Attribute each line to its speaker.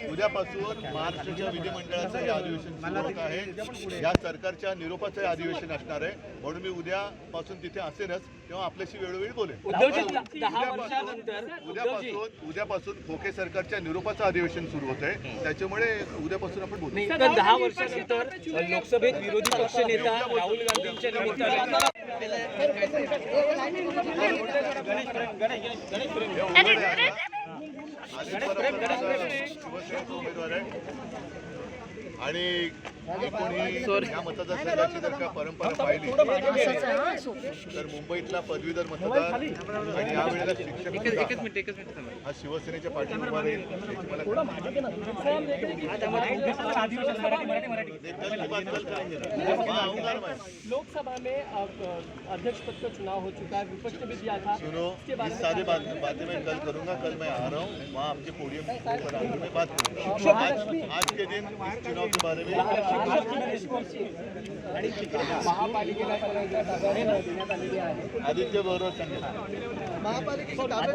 Speaker 1: उद्यापासून महाराष्ट्राच्या विधिमंडळाचं हे अधिवेशन सुरू होत आहे. या सरकारच्या निरोपाचं हे अधिवेशन असणार आहे, म्हणून मी उद्यापासून तिथे असेनच, तेव्हा आपल्याशी वेळोवेळी बोलेन. उद्यापासून खोके सरकारच्या निरोपाचं अधिवेशन सुरू होत आहे, त्याच्यामुळे उद्यापासून आपण बोलू.
Speaker 2: 10 वर्षानंतर लोकसभेत विरोधी पक्ष नेता राहुल गांधींच्या निमित्ताने
Speaker 1: उमेदवार आहे आणि कोणी या मतदारसंघाची जर का परंपरा पाहिली तर मुंबईतला पदवीधर मतदार आणि यावेळेला शिक्षक हा शिवसेनेच्या पाठींबा राहील याची मला
Speaker 3: लोकसभा में अध्यक्ष पद का चुनाव हो चुका है, विपक्ष ने भी दिया था।
Speaker 1: सुनो, इस सारी बातें मैं कल करूंगा। कल मैं आ रहा हूँ, वहाँ आपके पोडियम पर आकर मैं बात करूँगा। आज के दिन इस चुनाव के बारे में
Speaker 3: महापालिकेला
Speaker 1: आदित्य बरोबर सांगेल.